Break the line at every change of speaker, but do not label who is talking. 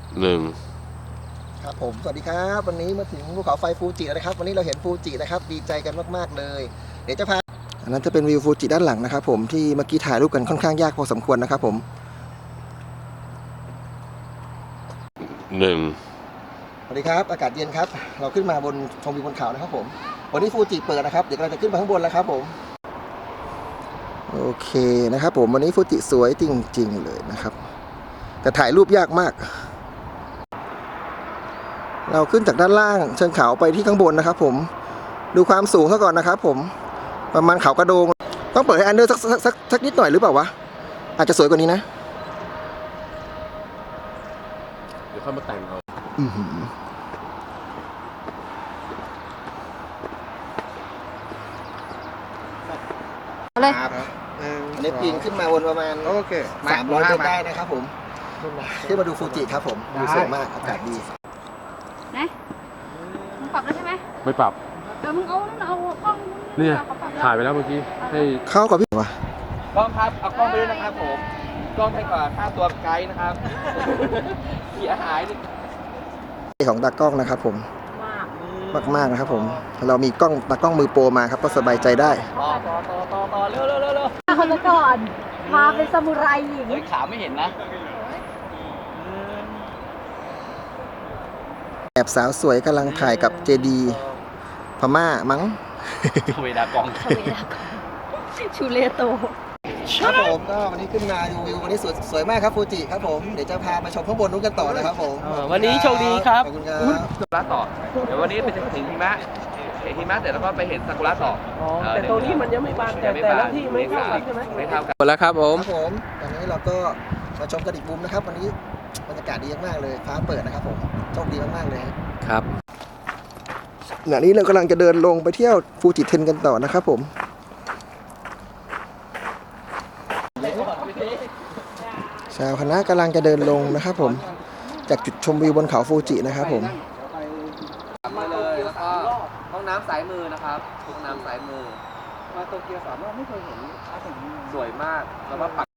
1
ครับผมสวัสดีครับวันนี้มาถึงภูเขาไฟฟูจิแล้วนะครับวันนี้เราเห็นฟูจินะครับดีใจกันมากๆเลยเดี๋ยวจะพาอันนั้นจะเป็นวิวฟูจิด้านหลังนะครับผมที่เมื่อกี้ถ่ายรูปกันค่อนข้างยากพอสมควรนะครับผมสวัสดีครับอากาศเย็นครับเราขึ้นมาบนชมวิวบนเขานะครับผมวันนี้ฟูจิเปิดนะครับเดี๋ยวเราจะขึ้นไปข้างบนแล้วครับผมโอเคนะครับผมวันนี้ฟูจิสวยจริงๆเลยนะครับแต่ถ่ายรูปยากมากเราขึ้นจากด้านล่างเชิงเขาไปที่ข้างบนนะครับผมดูความสูงซะก่อนนะครับผมประมาณเขากระโดงต้องเปิดให้อันเดอร์สักนิดหน่อยหรือเปล่าวะอาจจะสวยกว่านี้นะ
เดี๋ยวค่อยมาแต่งเอา
เลยอันนี้ปีนขึ้นมาบนประมาณ300 เมตรได้นะครับผมขึ้นมาดูฟูจิครับผมดูสวยมากอากาศดี
นะมึงปรับแล้วใช่ไหม
ไม่ปรับ
มึงเอากล้อง
เนี่ยถ่ายไปแล้วเมื่อกี้ให้
เข้ากับพี่วะ
กล้องครับเอากล้องไปด้วยนะครับผมกล้องให้กว่าค่าตัวไกด์นะครับเสียหาย
ของตากล้องนะครับผมมากนะครับผมเรามีกล้องตากล้องมือโปรมาครับก็สบายใจได้
ต่อเร็ว
คนละก่อนพาเป็นซามูไรหญิง
ขาไม่เห็นนะ
แอบสาวสวยกำลังถ่ายกับเจดีพม่ามั้ง
เวดากอง
ชูเลโต
ครับผมก็วันนี้ขึ้นมาดูวิววันนี้สวยมากครับฟูจิครับผมเดี๋ยวจะพามาชมข้างบนนู้นกันต่อนะครับผม
วันนี้โชคดีครับ
ขอบคุณครับ
ซากุระต่อเดี๋ยววันนี้ไปถึงหิมะเสร็จแล้วก็ไปเห็นซากุระต่อ
แต่ตัวนี้มันยังไม่บานแต่ละที่ไม่เท่ากันใช่ไหม
ไม่เท่ากันหมดแล้วครับผม
ตอนนี้เราก็มาชมกันอีกมุมนะครับวันนี้บรรยากาศดีมากเลยฟ้าเปิดนะครับผมโชคดีมากๆเลย
ครับ
ขณะนี้เรากำลังจะเดินลงไปเที่ยวฟูจิเทนกันต่อนะครับผมชาวคณะกำลังจะเดินลงนะครับผมจากจุดชมวิวบนเขาฟูจินะครับผม
มาเลยแล้วก็ห้องน้ำสายมือนะครับห้องน้ำสายมือ
มาโตเกียว3 รอบไม่เคยเห็น
สวยมากแล้วก็ปัก